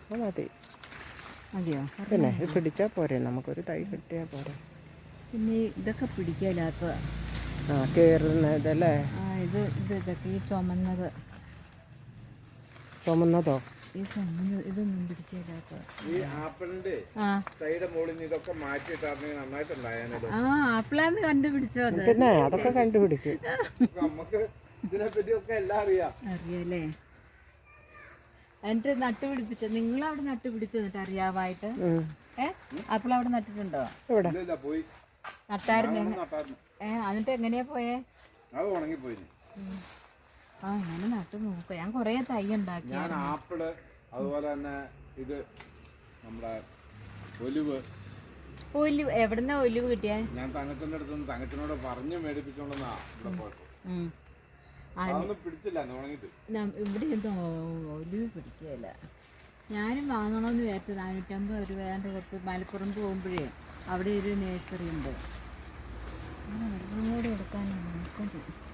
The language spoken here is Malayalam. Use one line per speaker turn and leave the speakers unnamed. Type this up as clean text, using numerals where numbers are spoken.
മതി.
മതിയോ?
പിന്നെ ഇത് പിടിച്ചാൽ പോരെ, നമുക്കൊരു തൈ കിട്ടിയാൽ പോരെ.
പിന്നെ ഇതൊക്കെ പിടിക്കാത്ത
കയറുന്നതല്ലേ?
ഇതൊക്കെ ഈ ചുമന്നത്
ചുമന്നതോ?
ഈ ചുമന്നത് ഇതൊന്നും പിടിക്കാത്ത.
ഈ ആപ്പിളിന്റെ തൈയുടെ മുകളിൽ നിന്ന് ഇതൊക്കെ മാറ്റിയിട്ടാണെങ്കിൽ നന്നായിട്ടുണ്ടായാലോ.
ആപ്പിളാന്ന് കണ്ടുപിടിച്ചോ അത്?
പിന്നെ അതൊക്കെ കണ്ടുപിടിക്കും.
നമുക്ക് ഇതിനെപ്പറ്റിയൊക്കെ എല്ലാം
അറിയാലേ. എന്നിട്ട് നട്ടുപിടിപ്പിച്ച നിങ്ങളവിടെ നട്ടുപിടിച്ചു എന്നിട്ട് അറിയാവായിട്ട് ആപ്പിൾ അവിടെ നട്ടിട്ടുണ്ടോ?
പോയി
നട്ടായിരുന്നു. എന്നിട്ട് എങ്ങനെയാ പോയേ?
അത് ഉണങ്ങിപ്പോയി.
അങ്ങനെ നട്ടു നോക്കുക. ഞാൻ കൊറേ തൈ ഉണ്ടാക്കി.
ഞാൻ ആപ്പിള്, അതുപോലെ തന്നെ ഇത് നമ്മുടെ ഒലിവ്.
എവിടുന്ന ഒലിവ് കിട്ടിയാ?
ഞാൻ തങ്കച്ചന്റെ അടുത്ത് തങ്കച്ചനോട് പറഞ്ഞു മേടിപ്പിച്ചോണ്ടെന്നാ ഇവിടെ പോയപ്പോ. പിടിച്ചില്ല, ഉണങ്ങിട്ട്.
ഇവിടെ എന്തോ ഒലിവ് പിടിക്കുകയില്ല. ഞാനും വാങ്ങണമെന്ന് വിചാരിച്ചു. 450 രൂപ കൊടുത്ത് മലപ്പുറം പോകുമ്പോഴേ അവിടെ ഒരു നേഴ്സറി ഉണ്ട്. വെള്ളം കൂടെ എടുക്കാൻ നോക്കും.